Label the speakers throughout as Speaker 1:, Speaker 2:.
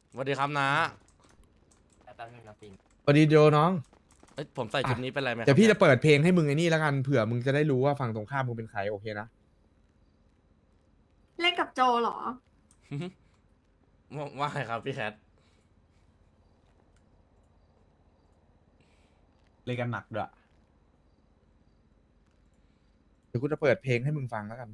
Speaker 1: สวัสดีครับนะ
Speaker 2: แป๊บนึงนะปิง
Speaker 3: สวัสดีโจน้อง
Speaker 1: เอ้ยผมใส่ชุดนี้เป็นไรไหมครับ
Speaker 3: เดี๋ยวพี่
Speaker 1: นี่
Speaker 3: จะเปิดเพลงให้มึงไอ้นี่แล้วกันเผื่อมึงจะได้รู้ว่าฝั่งตรงข้ามมึงเป็นใครโอเคนะ
Speaker 4: เล่นกับโจเหรอ
Speaker 1: ว่าไงครับพี่แคท
Speaker 5: เล่นกันหนักด้วย
Speaker 3: เดี๋ยวกูจะเปิดเพลงให้มึงฟังแล้วกัน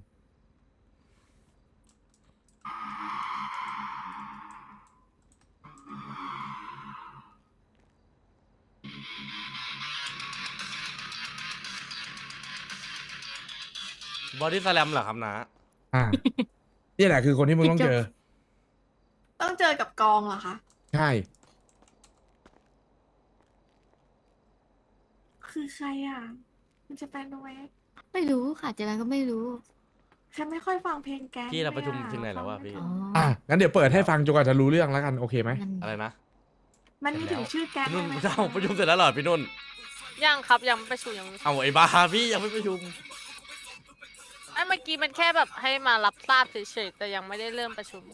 Speaker 1: บอดี้สแลมเหรอครับนะ
Speaker 3: อ่า นี่แหละคือคนที่มึงต้องเจอ
Speaker 4: ต้องเจอกับกองเหรอคะ
Speaker 3: ใช่
Speaker 4: คือใครอ่ะ มันจะเป็นโนเวก
Speaker 6: ไม่รู้ค่ะเจแปนก็ไม่รู้
Speaker 4: ฉันไม่ค่อยฟังเพลงแกง
Speaker 1: พี่เราประชุม
Speaker 4: ลยอ
Speaker 1: ถึงไหนแล้ววะพี่
Speaker 6: อ๋อ
Speaker 3: อ่ะงั้นเดี๋ยวเปิดให้ฟังจนกว่าจะรู้เรื่องแล้วกันโอเคไหม
Speaker 6: นั่น
Speaker 1: อะไรนะ
Speaker 4: มันมีถึงชื่อแกง
Speaker 1: พี่นุ่น
Speaker 4: ไหม
Speaker 1: เจ้าประชุมเสร็จแล้วเหรอพี่นุ่น
Speaker 7: ยังครับยังไม่ประชุมยังไม่
Speaker 1: เอาไอ้บ้าพี่ยังไม่ประชุม
Speaker 7: ไอ้เมื่อกี้มันแค่แบบให้มารับทราบเฉยๆแต่ยังไม่ได้เริ่มประชุม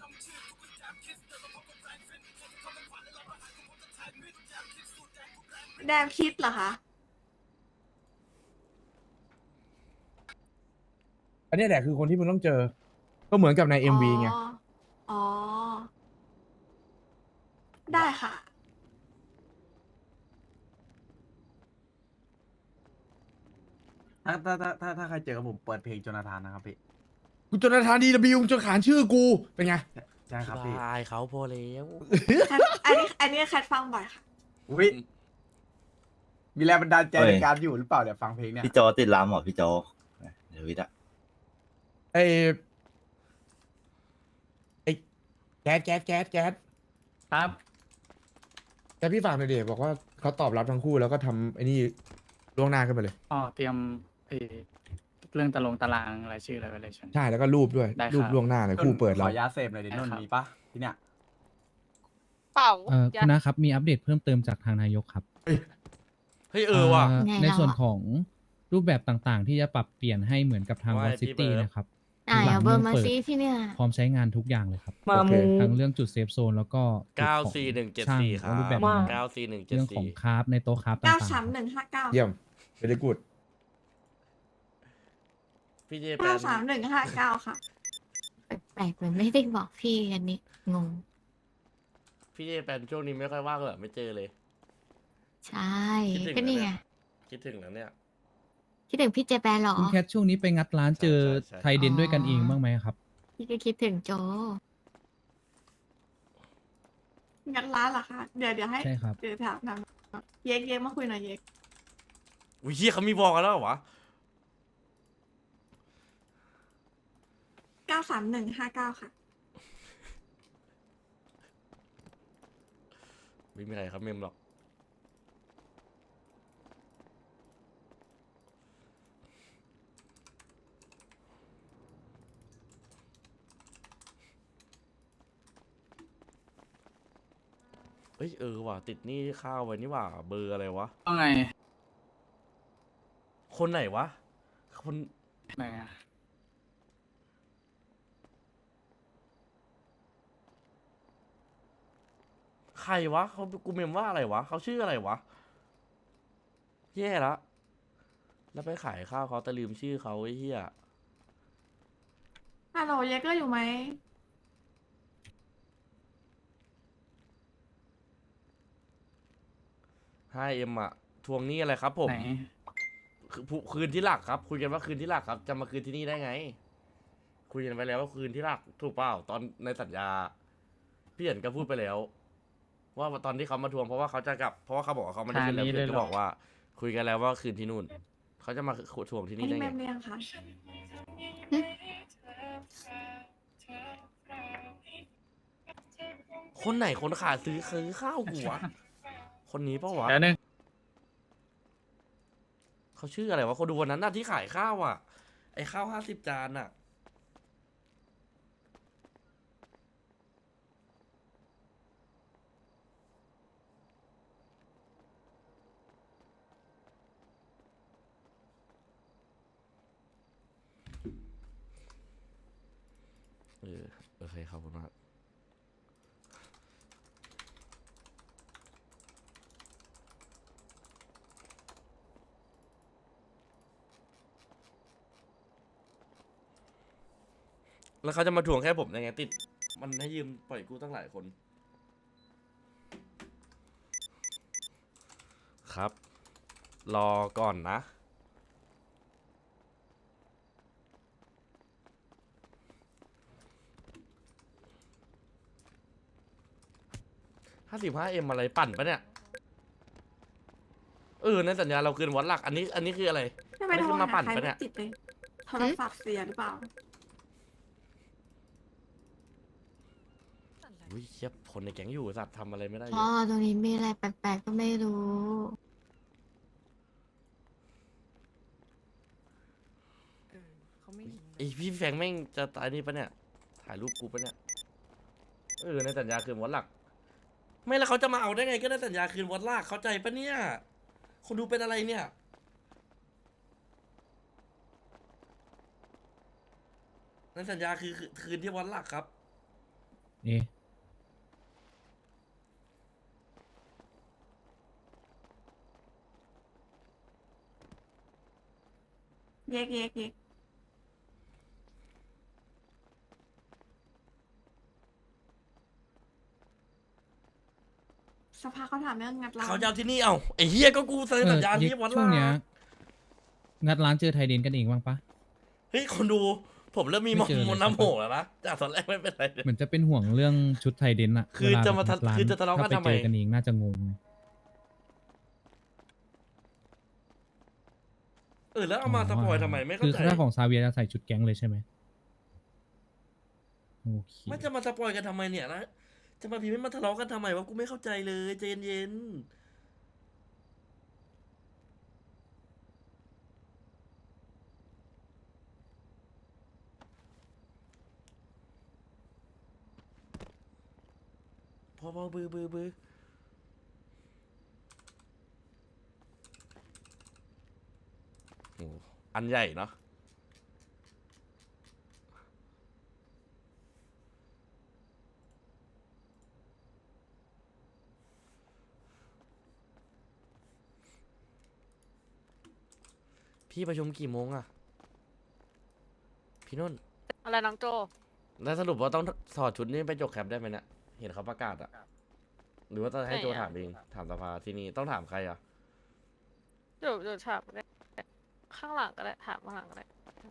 Speaker 4: แดมคิดเหรอคะ
Speaker 3: อันนี้แหละคือคนที่มึงต้องเจอ ก็เหมือนกับใน MV ไง
Speaker 4: อ๋อ ได้ค่ะ
Speaker 5: ถ้าใครเจอกับผมเปิดเพลงโจนาธานนะครับพี่
Speaker 3: กูจนทานดีบิวจนขานชื่อกูเป็นไง
Speaker 5: ใช่ครับพี่
Speaker 1: บายเขาพอแล้ว
Speaker 4: อันนี้แคทฟังบ่อยค่ะ
Speaker 5: อุ้ยมีแรงบันดาลใจในการอยู่หรือเปล่าเดี๋ยวฟังเพลงเนี่ย
Speaker 2: พี่โจติดลามเหรอพี่โจเดี๋ยววิทย์อะ
Speaker 3: ไอ้ไอ้แก๊ส
Speaker 5: ครับ
Speaker 3: แต่พี่ฝากหน่อยเดี๋ยวบอกว่าเขาตอบรับทั้งคู่แล้วก็ทำไอ้นี่ล่วงหน้าขึ้นมาเลย
Speaker 8: อ๋อเตรียมเรื่องตารางรายชื่ออะไรไว้เลยใช่ไหม
Speaker 3: ใช่แล้วก็รูปด้วย
Speaker 8: ได้ครับ
Speaker 3: รูปล่วงหน้าเลยคู่เปิด
Speaker 5: ข
Speaker 3: เรา
Speaker 5: ออนุญาตเสพหน่อยดิ
Speaker 8: ได้
Speaker 5: นน
Speaker 8: ครับ
Speaker 5: มีปะที่เนี่ย
Speaker 7: เปล่า
Speaker 9: คุณนะครับมีอัปเดตเพิ่มเติมจากทางนายกครับ
Speaker 1: เฮ้ยว่ะ
Speaker 6: ไง
Speaker 9: ใน
Speaker 6: เรา
Speaker 9: ส่วน
Speaker 6: อะ
Speaker 9: ของรูปแบบต่างๆ ที่จะปรับเปลี่ยนให้เหมือนกับทาง
Speaker 1: ว่า
Speaker 9: วอ
Speaker 1: ไง
Speaker 9: ลซิ
Speaker 1: พี่
Speaker 9: ตี้
Speaker 1: เบิร์ด
Speaker 9: นะครับ
Speaker 6: อ่า
Speaker 9: หลั
Speaker 6: เอา
Speaker 9: ง
Speaker 6: เบอ
Speaker 9: เมือ
Speaker 6: ร์
Speaker 9: ง
Speaker 6: มา
Speaker 9: เปิด
Speaker 6: ซิที่เนี่ย
Speaker 9: พร้อมใช้งานทุกอย่างเลยครับ
Speaker 3: โอเค
Speaker 9: ทั้งเรื่องจุดเซฟโซนแล้วก็จุดของ
Speaker 1: 94174 ครับ
Speaker 9: ช่างรูปแบบ เรื่องของ
Speaker 1: 94174
Speaker 9: คราฟในโต๊ะคราฟต่างๆครับ
Speaker 4: 93159
Speaker 3: เยี่ยมเวลกูด
Speaker 1: พี่เจแปน
Speaker 4: 93159 ค่ะ
Speaker 6: แปลกๆเหมือนไม่ได้บอกพี่อันนี้งง
Speaker 1: พี่เจแปนช่วงนี้ไม่ค่อยว่างเลยไม่เจอเลย
Speaker 6: ใช่
Speaker 1: คิดถึง
Speaker 6: ก็นี่ไง
Speaker 1: นะเนี่ย คิดถึงแล้วเนี่ย
Speaker 6: คิดถึงพี่เจแปนเหรอ
Speaker 9: คุณแคทช่วงนี้ไปงัดร้านเจอ
Speaker 1: ใช่
Speaker 9: ไทยเดนด้วยกันเองบ้างไหมครับ
Speaker 6: พี่ก็คิดถึงโจ
Speaker 4: งั้นร้านเหรอคะ เดี๋ยวให้
Speaker 9: ใช่ครับ
Speaker 4: เดี๋ยวถามนำเย็กมาคุยหน่อยเย็ก
Speaker 1: อุ้ยเฮียเขามีบอกกันแล้วเหรอวะ
Speaker 4: 93159 ค่ะ
Speaker 1: ไม่มีใครครับเมมหรอก เฮ้ยว่ะติดหนี้ข้าวไว้นี่หว่าเบอร์อะไรวะ
Speaker 8: ว่าไง
Speaker 1: คนไหนวะ คน
Speaker 8: ไหนอะ
Speaker 1: ใครวะเขากูเมมว่าอะไรวะเขาชื่ออะไรวะ แย่ละ แล้วไปขายข้าวเขาแต่ลืมชื่อเขาไอ้เหี้ย
Speaker 4: ฮัลโหลเย็กก็อยู่ไหม
Speaker 1: ให้เอ็มอะทวงหนี้อะไรครับผม
Speaker 8: ไหน
Speaker 1: คืนที่หลักครับ คุยกันว่าคืนที่หลักครับ จะมาคืนที่นี่ได้ไง คุยกันไปแล้วว่าคืนที่หลักถูกเปล่าตอนในสัญญา พี่เห็นก็พูดไปแล้ว ว่าตอนที่เขามาทวงเพราะว่าเขาจะกลับเพราะว่าเขาบอกว่าเขาไม่ได้คืนแล้ว
Speaker 8: ทางนี้
Speaker 1: พี่
Speaker 8: เลย
Speaker 1: ก็
Speaker 8: เหรอ
Speaker 1: บอกว่า คุยกันแล้วว่าคืนที่นู่นเขาจะมาทวงที่
Speaker 4: อัน
Speaker 1: นี่
Speaker 4: นี้
Speaker 1: ได้
Speaker 4: เม
Speaker 1: ไง
Speaker 4: มเรียงค่ะ
Speaker 1: คนไหนคนขาดซื้อข้าวกูวะคนนี้ปะวะ
Speaker 8: แล้วนึง
Speaker 1: เขาชื่ออะไรวะคนดูวันนั้นน่ะที่ขายข้าวอ่ะ ไอ้ข้าว50 จานอ่ะ โอเคขอบคุณมากแล้วเขาจะมาทวงแค่ผมได้ไงติด มันให้ยืมปล่อยกู้ตั้งหลายคน ครับ รอก่อนนะ 55M อะไรปั่นปะเนี่ย ในสัญญาเราคืนวัดหลัก อันนี้คืออะไร
Speaker 4: ไม่ไป
Speaker 1: อันนี้
Speaker 4: โท
Speaker 1: คื
Speaker 4: ร
Speaker 1: อมา
Speaker 4: หา
Speaker 1: ปั่น
Speaker 4: ใคร
Speaker 1: ปะ
Speaker 4: ไม่
Speaker 1: เนี่ย
Speaker 4: ติดเลยโทรศัพท์เสียหรือเปล่า
Speaker 1: อุ้ยเชียบคนในแก๊งอยู่สัตว์ทำอะไรไม่ได้เล
Speaker 6: พ่อย ตรงนี้มีอะไรแปลกๆก็ไม่รู้
Speaker 1: ไอพี่แฟงแม่งจะตายนี่ปะเนี่ย ถ่ายรูปกูปะเนี่ย ในสัญญาคืนวัดหลัก ไม่แล้วเขาจะมาเอาได้ไงก็ในสัญญาคืนวัดหลักเข้าใจปะเนี่ย คนดูเป็นอะไรเนี่ย ในสัญญาคือคืนที่วัดหลักครับ
Speaker 9: เอ๊ะ
Speaker 4: เย็กเย็กเย็กสภาเขาถามเรื่องงัดร้าน
Speaker 1: เขาจะเอาที่นี่เอาไอ้เฮียก็กูเซ็นสัญญาที่วัดห
Speaker 9: ช่
Speaker 1: ลั
Speaker 9: วงเนี้ย
Speaker 1: ก
Speaker 9: งัดร้านเจอไทยเดนกันเองบ้างปะ
Speaker 1: เฮ้ยคนดูผมเริ่มมี
Speaker 9: ไม่เจอเลย
Speaker 1: มนต์น้ำโหแล้วนะจากตอนแรกไม่เป็นไรเลย
Speaker 9: เหมือนจะเป็นห่วงเรื่องชุดไทยเดนอะ
Speaker 1: คือ
Speaker 9: เวล
Speaker 1: จะมา
Speaker 9: แบบงัดร้น
Speaker 1: คือจะทะเลาะกัน
Speaker 9: ถ้
Speaker 1: ทำไม
Speaker 9: ไปเจอกันเองน่าจะงง
Speaker 1: แล้วเอามาสปอยทำไมไม่เข้า
Speaker 9: คือ
Speaker 1: ใจ
Speaker 9: ถ้าของซาเวียจะใส่ชุดแก๊งเลยใช่ไหมโอเค
Speaker 1: ไม่จะมาสปอยกันทำไมเนี่ยนะ จะมาพิมพ์ให้มาทะเลาะกันทำไมวะกูไม่เข้าใจเลยใจเย็นๆพอบือโอ้อันใหญ่เนาะพี่ประชุมกี่โมงอะพี่นุ่น
Speaker 7: อะไรน้องโจ
Speaker 1: แล้วสรุปว่าต้องถอดชุดนี้ไปจกแคปได้ไหมเนี่ยเห็นเขาประกาศอะหรือว่าจะให้โจถามเองถามสภาที่นี่ต้องถามใครอะ
Speaker 7: เดี๋ยวถามก็ได้ข้างหลังก็ได้ถามข้างหลังก็ได้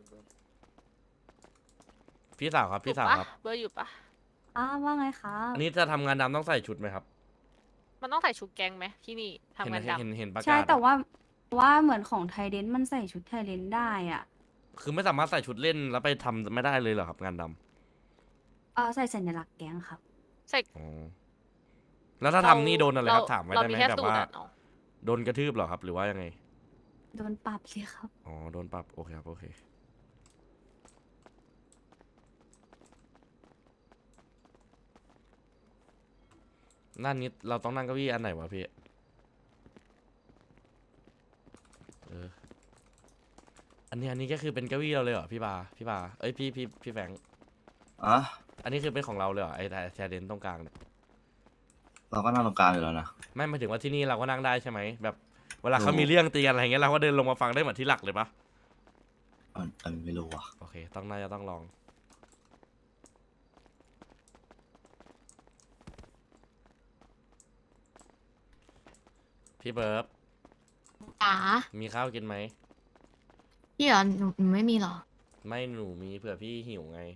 Speaker 1: พี่สาวครับพี่สาว
Speaker 7: อยู่ปะ
Speaker 1: ครับ
Speaker 7: เบอร์อยู่ปะ
Speaker 10: ว่าไงคะ
Speaker 1: อันนี้จะทำงานดำต้องใส่ชุดไหมครับ
Speaker 7: มันต้องใส่ชุดแก๊งไหมที่นี่ทำงานดำ
Speaker 1: เห็นประกาศ
Speaker 10: ใช่แต่
Speaker 1: อะ
Speaker 10: ว่าเหมือนของไทยเดนมันใส่ชุดไทยเดนได้อ่ะ
Speaker 1: คือไม่สามารถใส่ชุดเล่นแล้วไปทำไม่ได้เลยเหรอครับ งานด
Speaker 10: ใส่สัญลักษณ์แก๊งครับ
Speaker 7: ใส่
Speaker 1: ำอ๋อแล้วถ้าทำนี่โดนอะไรครับถามไว้ได้ไหม
Speaker 7: เรแค่
Speaker 1: แบบ
Speaker 7: สูตร
Speaker 1: ว่า
Speaker 7: อะเนาะ
Speaker 1: โดนกระทืบเหรอครับ หรือว่ายังไง
Speaker 10: โดนปรับสิครับ
Speaker 1: อ๋อโดนปรับโอเคครับโอเคนั่นนี้เราต้องนั่งเก้าอี้อันไหนวะพี่อันนี้ก็คือเป็นเก้าอี้เราเลยเหรอพี่บาเอ้ยพี่แฟง
Speaker 2: อ่ะ
Speaker 1: อันนี้คือเป็นของเราเลยเหรอไอ้แชร์เดนตรงกลางเนี่ย
Speaker 2: เราก็นั่งตรงกลางอยู่แล้วนะ
Speaker 1: ไม่หมายถึงว่าที่นี่เราก็นั่งได้ใช่ไหมแบบเวลาเขา
Speaker 2: รู้
Speaker 1: มีเรื่องตีกันอะไรเงี้ยเราก็เดินลงมาฟังได้เหมือนที่หลักเลยปะ
Speaker 2: ไม่รู้อ่ะ
Speaker 1: โอเคน่าจะต้องลอง พี่เบิร์บ
Speaker 6: จ๋า
Speaker 1: มีข้าวกินไหม
Speaker 6: พี่เหรอหนูไม่มีหรอ
Speaker 1: ไม่หนูมีเผื่อพี่หิวไง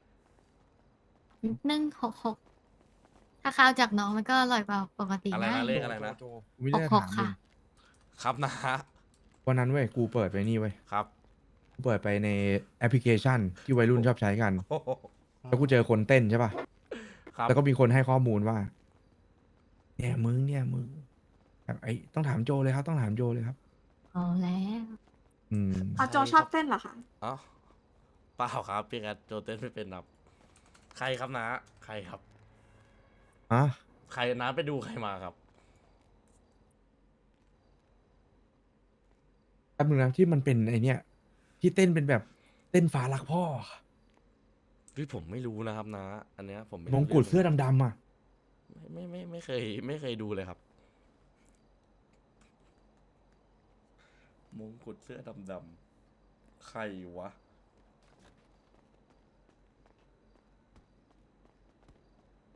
Speaker 6: 166ถ้าข้าวจากน้องมันก็อร่อยกว่าปกติ
Speaker 1: อะไร
Speaker 6: นะ
Speaker 1: นะเลขอะไรนะ
Speaker 3: ไม่
Speaker 6: ห
Speaker 3: ได้
Speaker 6: กห
Speaker 3: ถาก ม
Speaker 6: ค่ะ
Speaker 1: ครับนะ
Speaker 3: วันนั้นเว้ยกูเปิดไปนี่เว้ย
Speaker 1: ครับ
Speaker 3: กูเปิดไปในแอปพลิเคชันที่วัยรุ่นชอบใช้กัน
Speaker 1: โอ้โห
Speaker 3: แล้วกูเจอคนเต้นใช่ป่ะ
Speaker 1: ครับ
Speaker 3: แล้วก็มีคนให้ข้อมูลว่า เนี่ยมึงแบบต้องถามโจเลยครับ ต้องถามโจเลยครับ
Speaker 6: เอาแล้ว
Speaker 3: อืม
Speaker 4: เอาโจชอบเต้นเหรอคะ
Speaker 1: อ๋อเปล่าครับพี่แกโจเต้นไม่เป็นครับใครครับนะใครครับ
Speaker 3: อ่ะ
Speaker 1: ใครนะไปดูใครมาครับ
Speaker 3: แป๊บนึงนะที่มันเป็นไอเนี่ย ที่เต้นเป็นแบบเต้นฝารักพ่อ
Speaker 1: พี่ผมไม่รู้นะครับนะ อันเนี้ยผมไม่
Speaker 3: ม
Speaker 1: รู้
Speaker 3: งกุฎ
Speaker 1: รื่
Speaker 3: เสื้อดำๆอ่ะ
Speaker 1: ไม่เคยดูเลยครับ มงกุฎเสื้อดำๆใครวะ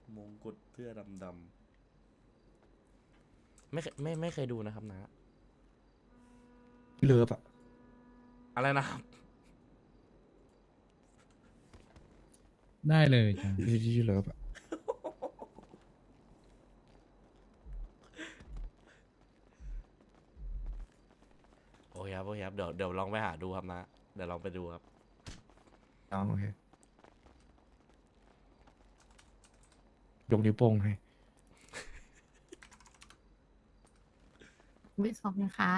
Speaker 1: มงกุฎเสื้อดำๆไม่เคยดูนะครับนะ
Speaker 3: เลิฟอะ
Speaker 1: อะไรนะครับ
Speaker 9: ได้เลยจ้ะ
Speaker 3: ที่เลิฟอะ
Speaker 1: โอเคครับโอเคครับเดี๋ยวลองไปหาดูครับนะ เดี๋ยวลองไปดูครับ
Speaker 3: น้องโอเคยกนิ้วโป้งให้
Speaker 6: ไม่ขอบคุณครับ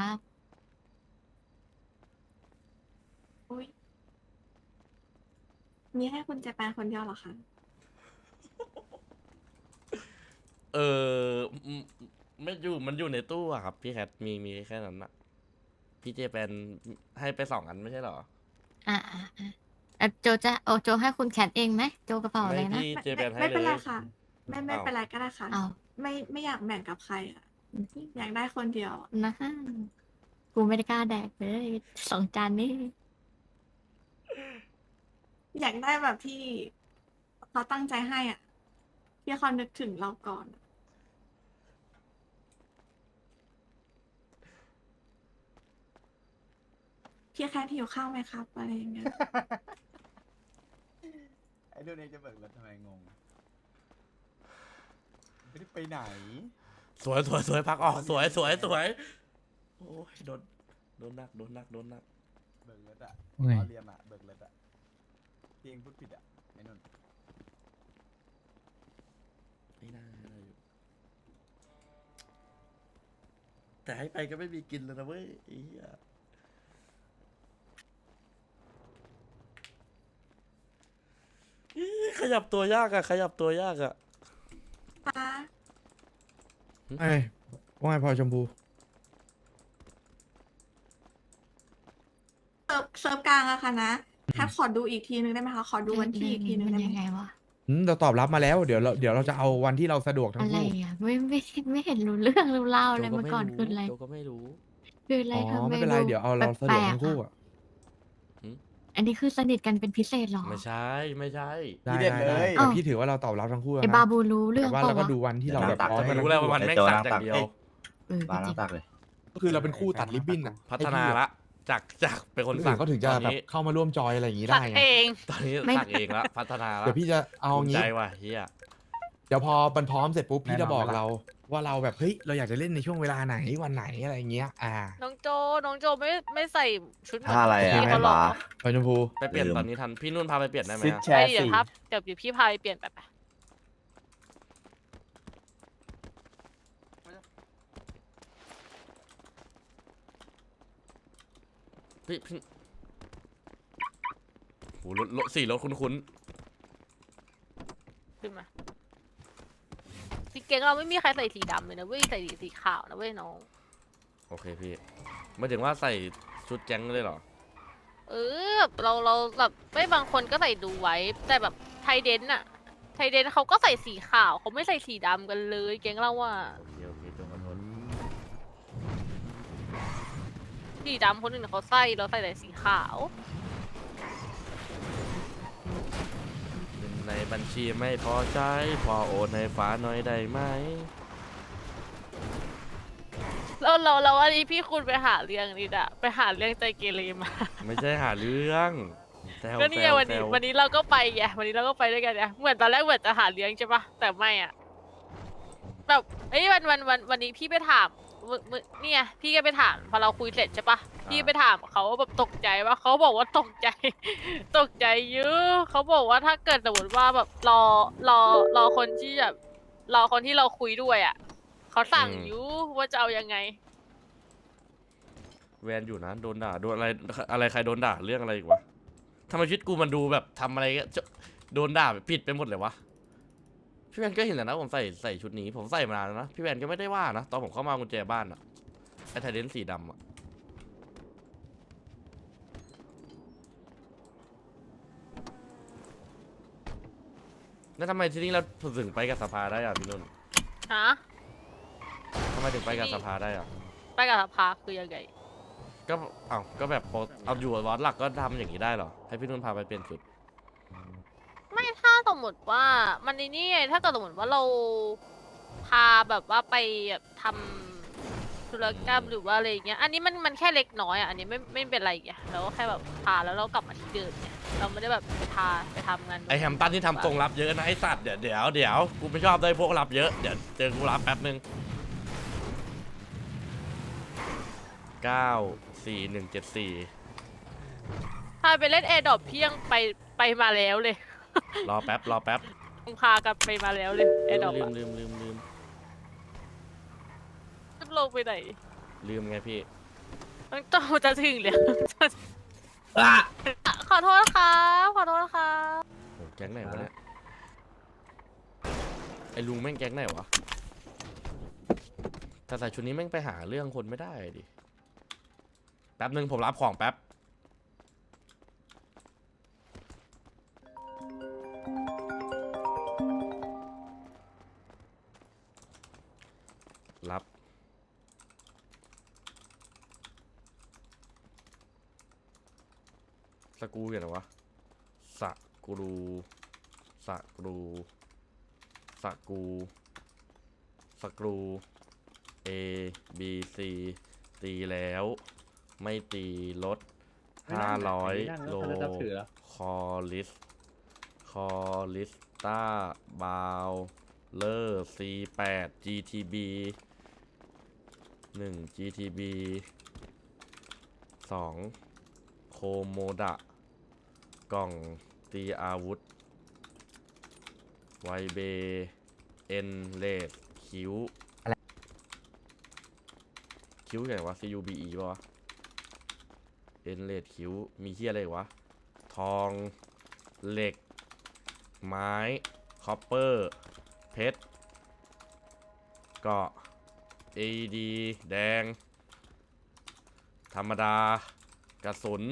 Speaker 4: อุ้ยมีให้คุณเจแปนคนเดียวเหรอคะ
Speaker 1: เออไม่อยู่มันอยู่ในตู้อะครับ พี่แคทมีแค่นั้นอะพี่เจแปนให้ไป2 อันไม่ใช่เหรอ
Speaker 6: โจจะโจให้คุณแคทเองไหมโจกระเป๋าอะไร
Speaker 1: ไม่
Speaker 6: นะ
Speaker 1: พี่เจแปนให้
Speaker 4: ไม่
Speaker 1: เล
Speaker 4: เป็นไร
Speaker 1: ย
Speaker 4: ค่ะ ไม่เป็นไรก็ได้ค่ะ
Speaker 6: เอา
Speaker 4: ไม่อยากแบ่งกับใครอ่ะ อยากได้คนเดียว
Speaker 6: นะฮะกูไม่ได้กล้าแดกเลย2 จานนี่
Speaker 4: อยากได้แบบที่เขาตั้งใจให้อ่ะที่เขานึกถึงเราก่อน พี่แค่หิวข้าวไหมครับอะไรอย่างเงี้ย
Speaker 5: ไอ้ดูนี่จะเบิกรถทำไมงง ไม่ได้ไปไหน
Speaker 1: สวยพักออกสวยโอ้ยโดนหนัก
Speaker 5: เบิกรถอะ
Speaker 9: ไง
Speaker 5: เอาเรียมอะเบิกรถอะพี่เองพูดผิดอะไอ้นุ่น
Speaker 1: ไม่น่าได้อยู่แต่ให้ไปก็ไม่มีกินแล้วนะเว้ยไอ้เหี้ยขยับตัวยากอะ
Speaker 4: คะ
Speaker 3: ไอ้ว่าไงพลอยชมพู
Speaker 4: เซิร์ฟกลางอะค่ะนะแค่ขอดูอีกทีนึงได้ไหมคะขอดูวันที่อีกทีนึง
Speaker 6: มัน
Speaker 4: ได้ไหม
Speaker 6: ยังไงวะ
Speaker 3: เราตอบรับมาแล้วเดี๋ยวเราจะเอาวันที่เราสะดวกทั้
Speaker 6: อะ
Speaker 3: ง
Speaker 6: ไร
Speaker 3: คู่
Speaker 6: อ่ะไม่เห็นรู้เรื่องรู้เล่าอะไร
Speaker 1: โจ
Speaker 6: มาก่อนคืออะไร
Speaker 1: โจก็ไม่รู้
Speaker 6: คืออะไร
Speaker 3: อ๋อ
Speaker 6: ทำ
Speaker 3: ไม่เป็นไรเดี๋ยวเอาเราสะดวกทั้งคู่อะ
Speaker 6: อันนี้คือสนิทกันเป็นพิเศษเหรอ
Speaker 1: ไม่ใช่
Speaker 3: ได้
Speaker 5: พี่เด่น
Speaker 3: ได้
Speaker 5: เลย
Speaker 3: แต่พี่ถือว่าเราตอบรับทั้งคู่แล้ว
Speaker 6: ไอ้
Speaker 3: นะ
Speaker 6: บาบูรู้เรื่อง
Speaker 3: แต่ว่า
Speaker 6: เป
Speaker 3: เรา
Speaker 6: ล่า
Speaker 3: ก็
Speaker 6: วะ
Speaker 3: ดูวันที่เราแบบพร้อม
Speaker 1: จะ
Speaker 3: กัน
Speaker 1: ไม่รู้แล้วว่ามัน
Speaker 2: ไอ้
Speaker 1: แม่ง
Speaker 2: โจ
Speaker 1: สัก
Speaker 2: นั่ง
Speaker 1: อย่า
Speaker 2: ตั
Speaker 1: ง
Speaker 2: ก
Speaker 1: เดียว
Speaker 2: บาร์นั่งตักเลย
Speaker 3: ก็คือเราเป็นคู่ตัดริบบิ้นอะ
Speaker 1: พัฒนาละ จากเป็นคน
Speaker 3: คน
Speaker 1: สั
Speaker 3: อื่
Speaker 1: ก
Speaker 3: นก็ถึงจะ
Speaker 1: ตอน
Speaker 3: แบบ
Speaker 1: นี้
Speaker 3: เข้ามาร่วมจอยอะไรอย่างนี้
Speaker 7: สั
Speaker 3: ได้
Speaker 7: ก
Speaker 3: ไง
Speaker 7: เอง
Speaker 1: ตอนนี้
Speaker 6: ไม่
Speaker 1: สักเองละพัฒนาละ
Speaker 3: เดี๋ยวพี่จะเอา
Speaker 1: ภูมิ
Speaker 3: งี้
Speaker 1: ใจว่ะเฮีย
Speaker 3: เดี๋ยวพอมันพร้อมเสร็จปุ๊บพี่
Speaker 5: แน่นอน
Speaker 3: จะบอก
Speaker 5: เวลา
Speaker 3: เราว่าเราแบบเฮ้ยเราอยากจะเล่นในช่วงเวลาไหนวันไหนอะไรอย่างเงี้ย
Speaker 7: น้องโจไม่ใส่ชุดเหมือน
Speaker 2: ถ้าอะไรอะ
Speaker 7: พี่เขาหร
Speaker 2: ให้
Speaker 7: อ
Speaker 2: บาร์
Speaker 3: พลอยชมพู
Speaker 1: ไปเปลี่ยน
Speaker 2: ลืม
Speaker 1: ตอนนี้ทัน พี่นุ่นพาไปเปลี่ยนได้ไหม
Speaker 5: ซิด
Speaker 1: อะ
Speaker 5: แช
Speaker 7: ไอ้
Speaker 5: ร์
Speaker 7: เดี๋ยว
Speaker 5: สี่
Speaker 7: ครับเดี๋ยวพี่พาไปเปลี่ยนไป
Speaker 1: พี่โหรถ4 รถคุ้น
Speaker 7: ขึ้นมาพี่เก่งเราไม่มีใครใส่สีดำเลยนะเว้ยใส่สีขาวนะเว้ยน้อง
Speaker 1: ๆโอเคพี่ไม่ถึงว่าใส่ชุดแก๊งเลยเหรอ
Speaker 7: แบบเราแบบไม่บางคนก็ใส่ดูไว้ แต่แบบไทเดนอะไทเดนเขาก็ใส่สีขาวเขาไม่ใส่สีดำกันเลยเก่งเราว่า
Speaker 1: โอเคโจขอโทษ
Speaker 7: สีดำคนอื่นเขาใส่เราใส่แต่สีขาว
Speaker 1: เงินในบัญชีไม่พอใจพอโอนให้ฟ้าหน่อยได้ไหม
Speaker 7: เราอันนี้พี่คุณไปหาเรื่องนี่อะไปหาเรื่องใจเกเรมา
Speaker 1: ไม่ใช่หาเรื่องแซว
Speaker 7: ก็นี่ไง
Speaker 1: แซว
Speaker 7: วันนี้
Speaker 1: แซว
Speaker 7: วันนี้เราก็ไปไงวันนี้เราก็ไปด้วยกันไงเหมือนตอนแรกเหมือนจะหาเลี้ยงใช่ปะแต่ไม่อ่ะแบบเอ้ยวันนี้พี่ไปถามเนี่ยพี่ก็ไปถามพอเราคุยเสร็จใช่ปะพี่ไปถามเขาว่าแบบตกใจว่าเขาบอกว่าตกใจ ตกใจเยอะเขาบอกว่าถ้าเกิดสมมติว่าแบบรอคนที่แบบรอคนที่เราคุยด้วยอ่ะเขาสั่งอยู่ว่าจะเอายังไง
Speaker 1: แวนอยู่นะโดนด่าโดนอะไรใครโดนด่าเรื่องอะไรอีกวะทำไมชีวิตกูมันดูแบบทำอะไรก็จะโดนด่าแบบผิดไปหมดเลยวะพี่แวนก็เห็นแต่นะผมใส่ชุดนี้ผมใส่มานานแล้วนะพี่แวนก็ไม่ได้ว่านะตอนผมเข้ามากุญแจบ้านอะไอ้ไทเดนสีดำอะแล้วทำไมที่นี่เราถึงไปกับสภาได้อะพี่นุ่น
Speaker 7: ฮะ
Speaker 1: ทำไมถึงไปกับสภาได้อะ
Speaker 7: ไปกับสภาคือยังไง
Speaker 1: ก็ก็แบบเอาอยู่วัดหลักก็ทำอย่างนี้ได้เหรอให้พี่นุ่นพาไปเปลี่ยนชุด
Speaker 7: ไม่ถ้าสมมติว่ามันในนี่ไงถ้าเกิดสมมติว่าเราพาแบบว่าไปแบบทำธุรกรรมหรือว่าอะไรอย่างเงี้ย อันนี้มันแค่เล็กน้อยอ่ะ อันนี้ไม่เป็นไรไงเราก็แค่แบบพาแล้วเรากลับมาที่เดิมเนี่ยเราไม่ได้แบบไปทำงาน
Speaker 1: ไอแฮมตันที่ทำทรงรับเยอะนะไอสัตว์เดี๋ยวกูไม่ชอบได้พวกรับเยอะเดี๋ยวเจอกูรับแป๊บนึง94174
Speaker 7: พาไปเล่นแอร์ดรอปพี่ยังไปมาแล้วเลย
Speaker 1: รอแป๊บ
Speaker 7: ต้องพากันไปมาแล้วเลยแอร์ดรอป
Speaker 1: ลืม
Speaker 7: จะลงไปไหน
Speaker 1: ลืมไงพี่
Speaker 7: ต้องจะถึงเลย ขอโทษครับขอโทษครับ
Speaker 1: โหแก๊งไหนวะเนี่ยไอลุงแม่งแก๊งไหนวะแต่ใส่ชุดนี้แม่งไปหาเรื่องคนไม่ได้ดิแป๊บนึงผมรับของแป๊บรับสกรูอย่างไรวะสกรูสกรู A B C ตีแล้วไม่ตีลด500โลคอลิสต้าบาวเลอร์ C8 GTB 1 GTB 2 โคโมดะกล่องตีอาวุธไวเบเอ็นเลดคิวไงวะ CUBE ป่ะวะเอ็นเลดคิวมีเฮียอะไรวะทองเหล็กไม้คอปเปอร์เพชรเกาะ AED แดงธรรมดากระสุน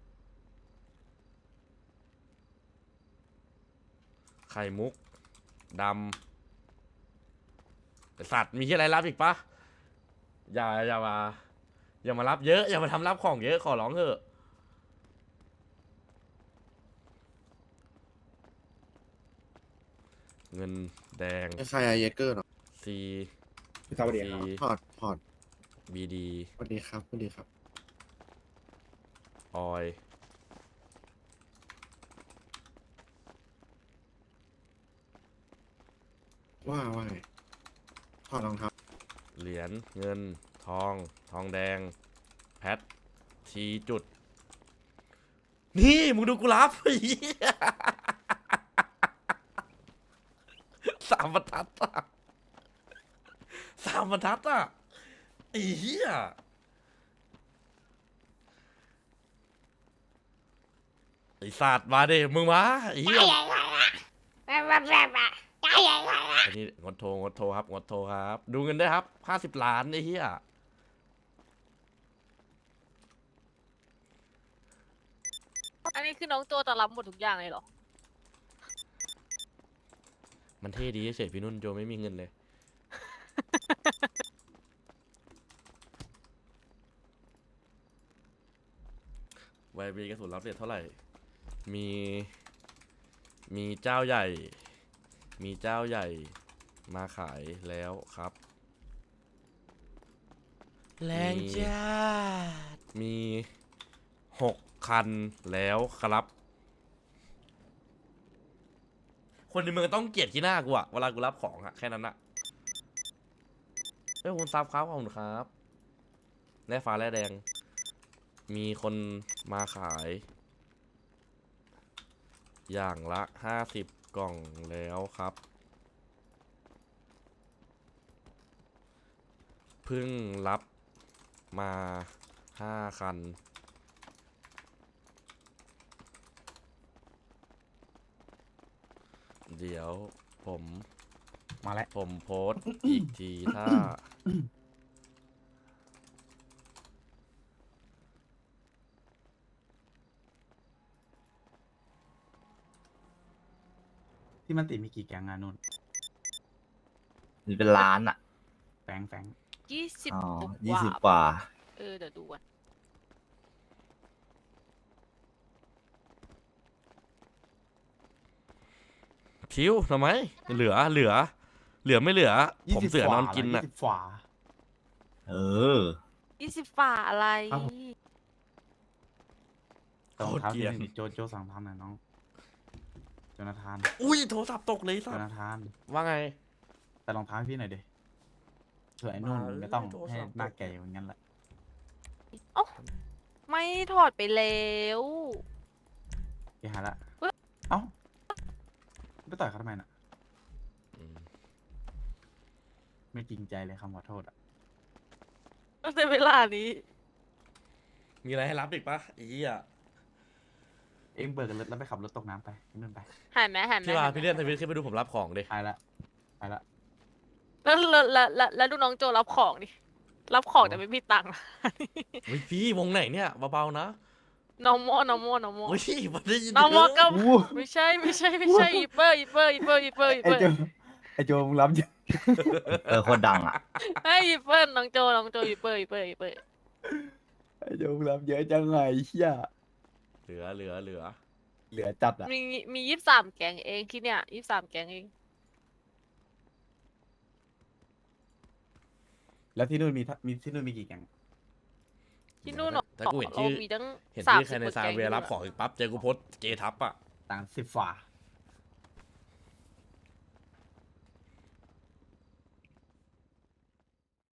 Speaker 1: ไข่มุกดำไอ้สัตว์มีที่อะไรรับอีกปะอย่ามารับเยอะอย่ามาทำรับของเยอะขอร้องเถอะเงินแดง
Speaker 11: ใครอะเยเกอร์เนาะ
Speaker 1: C
Speaker 5: สวัสดีครับ
Speaker 11: พอร์ต
Speaker 1: BD
Speaker 11: สวัสดีครับสวัสดีครับ
Speaker 1: ออย
Speaker 11: ว่าไงถอดรองเท้า
Speaker 1: เหรียญเงินทองแดงแพททีจุดนี่มึงดูกูรับ ไอ้เหี้ย3 บรรทัดอะ3 บรรทัดอะไอ้เหี้ยไอ้สัตว์มาดิมึงมาไอ้เหี้ยอันนี้งดโทรครับ ดูเงินได้วยครับ50 ล้านไอ้เหี้ย
Speaker 7: อันนี้คือน้องโจจะรับหมดทุกอย่างเลยเหรอ
Speaker 1: มันเท่ดีเฉยพี่นุ่นโจไม่มีเงินเลย ไวบีกระสุนรับเรทเท่าไหร่ มีเจ้าใหญ่ มาขายแล้วครับ แรงจ้ามี6 คันแล้วครับ คนในเมืองต้องเกลียดที่หน้ากูอะเวลากูรับของอะแค่นั้นอะคุณซับครับขอบคุณครับแร่ฟ้าแร่แดง มีคนมาขาย อย่างละ50 กล่องแล้วครับเพิ่งรับมา5 คันเดี๋ยวผมโพสต์อีกทีถ้า
Speaker 5: ที่มันติมีกี่แก๊งงานนุ่น
Speaker 2: มีเป็นล้านอ่ะ
Speaker 5: แฟง
Speaker 7: 20
Speaker 2: อ๋อ
Speaker 7: กว่า
Speaker 2: 20 กว่า
Speaker 7: เดี๋ยวดูก่อน
Speaker 1: พชิวทำไม เหลือไม่เหลือ ผมเสือนอนกิน
Speaker 5: อ่ะ
Speaker 1: อ่ะ
Speaker 5: 20 ฝา
Speaker 2: เออ
Speaker 7: 20 ฝ่าอะไร
Speaker 5: ครับผม
Speaker 1: โคตรเกลียด
Speaker 5: โจสั่งทำหน่อยน้องโจนาธาน
Speaker 1: อุ้ยโทรศัพท์ตกเลย
Speaker 5: โจ
Speaker 1: สัส
Speaker 5: นาธาน
Speaker 1: ว่าไง
Speaker 5: แต่รองเท้าให้พี่หน่อยดิเผื่อไอ้นุ่น
Speaker 1: มาเลย
Speaker 5: ไม่ต้อง
Speaker 1: โทร
Speaker 5: ให้
Speaker 1: ศัพท์
Speaker 5: หน้าแก่อย่างนั้นแหละ
Speaker 7: เอ้าไม่ถอดไปแล้ว
Speaker 5: ไปหาละเอ้าไปต่อยเขาทำไมน่ะ
Speaker 1: อืม
Speaker 5: ไม่จริงใจเลยคำขอโทษอ่ะ
Speaker 7: ในเวลานี้
Speaker 1: มีอะไรให้รับอีกปะอีอ่ะ
Speaker 5: เอ็งเบิกกันรถแล้วไปขับรถตกน้ำไปไอ้นุ่นไป
Speaker 7: หายไหม
Speaker 1: พี่ว่าพี่เลื่อนทวิตขึ้นไปดูผมรับของดิ
Speaker 5: ไปละไปละ
Speaker 7: แล้วดูน้องโจรับของดิ รับของแต่ไม่มีตังค์
Speaker 1: เฮ้ยพี่วงไหนเนี่ยเบาๆนะ
Speaker 7: น้องโม
Speaker 1: เฮ้ยมันได้ยิน
Speaker 7: น้องโมก็
Speaker 5: อู้
Speaker 7: ไม่ใช่อีเปอร์
Speaker 5: ไอโจมึงรับเยอะ
Speaker 2: โคตรดังอ่ะ
Speaker 7: เฮ้ยอีเปอร์น้องโจอีเปอร์
Speaker 5: ไอโจมึงรับเยอะจังไงเฮีย
Speaker 1: เหลือ
Speaker 5: เหลือจัดอ่ะ
Speaker 7: มี23 แกงเองที่เนี่ย23 แกงเอง
Speaker 5: แล้วที่นู่นมีที่นู่นมีกี่แก๊ง
Speaker 7: ที่นู่น
Speaker 1: ถ้ากูเห็น
Speaker 7: เรา
Speaker 1: ชื่อ
Speaker 7: มีตั้ง
Speaker 1: เห็น
Speaker 7: 30
Speaker 1: ชื่อใครในซาเวียรับของอีกปั๊บเจอกูโพสต์เกทับอ่ะ
Speaker 5: ต่าง10 ฝา